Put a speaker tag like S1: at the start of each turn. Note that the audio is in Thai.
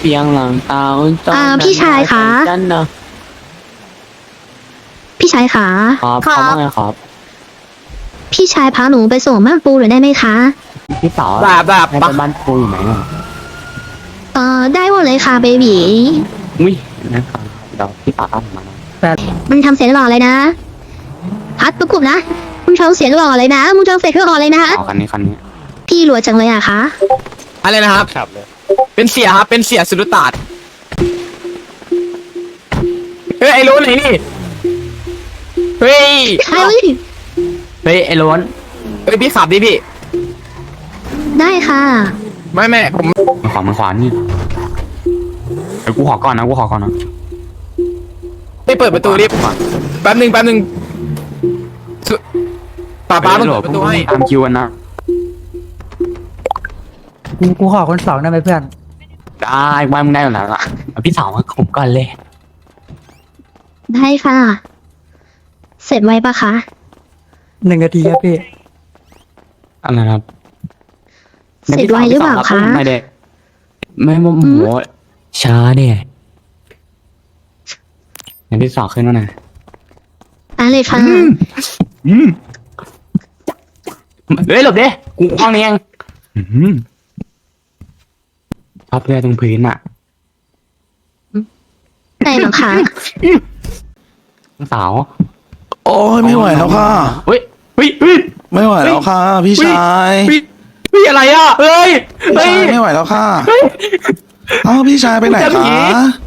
S1: ปียงหลังตา
S2: พี่ชายคะ
S1: จันเนอะ
S2: พี่ชายขา
S1: ครับเขาว่าไงครับ
S2: พี่ชายพาหนูไปส่งบ้านปูหน่อยได้ไหมคะ
S1: พี่สาว
S3: แบบ
S1: ให้ไปบ้านครูอยู่ไหนอ่ะ
S2: ได้หมดเลยค่ะเบบี
S1: อุ้ยนะครับเดี๋ยวพี่สาวตามผมมานะ
S2: มึงทำเสียงหล่อเลยนะพัดประกุบนะมึงทำเสียงหล่อเลยนะมึงทำเสียงหล่อเลยนะ
S1: เอาคันนี้
S2: พี่รวยจังเลยอะคะ
S3: อะไรนะครับ
S1: ครับเลย
S3: เป็นเสียครับ เป็นเสียสุดตาดเฮ้ยไอ้โล้นไหนนี่ เฮ้ย
S2: เฮ้ย
S1: เฮ้ยไอ้ล้น
S3: เฮ้ยพี่ขับดิพี่
S2: ได้ค่ะ
S3: ไม่ผม
S1: มันขวานี่เดี๋ยวกูขอก่อนนะ
S3: ไม่เปิดประตูดิแป๊บหนึ่งสุป้าต้องเปิดประตูให้
S1: ตามคิวกันนะ
S4: กูขอคนสองได้ไหมเพื่อน
S1: ได้ว่ามึงได้อยู่แล้วล่ะเอาพี่สาวมาผมก่อนเลย
S2: ได้ค่ะ เสร็จไวปะคะ
S4: 1 นาทีครับพี่
S1: อะไรครับ
S2: เสร็จไวหรือเปล่าคะ
S1: ไม่ได้ไม่โมโหช้าเนี่ยเดี๋ยวพี่สาวขึ้นมาหน่อย
S2: อะไรคะ
S1: เฮ้ยหลบดิกูห้องนี้เองชอบเลือดตรงพื้นอ่ะ
S2: ได้หรอคะ
S1: สาว
S5: โอ้ยไม่ไหวแล้วค่ะ
S1: เฮ้ย
S5: ไม่ไหวแล้วค่ะ พี่ชาย
S3: พี่อะไรอ่ะ เฮ้ย
S5: พี่ชายไม่ไหวแล้วค่ะอ้าวพี่ชายไปไหน
S3: เจอผี
S5: คะ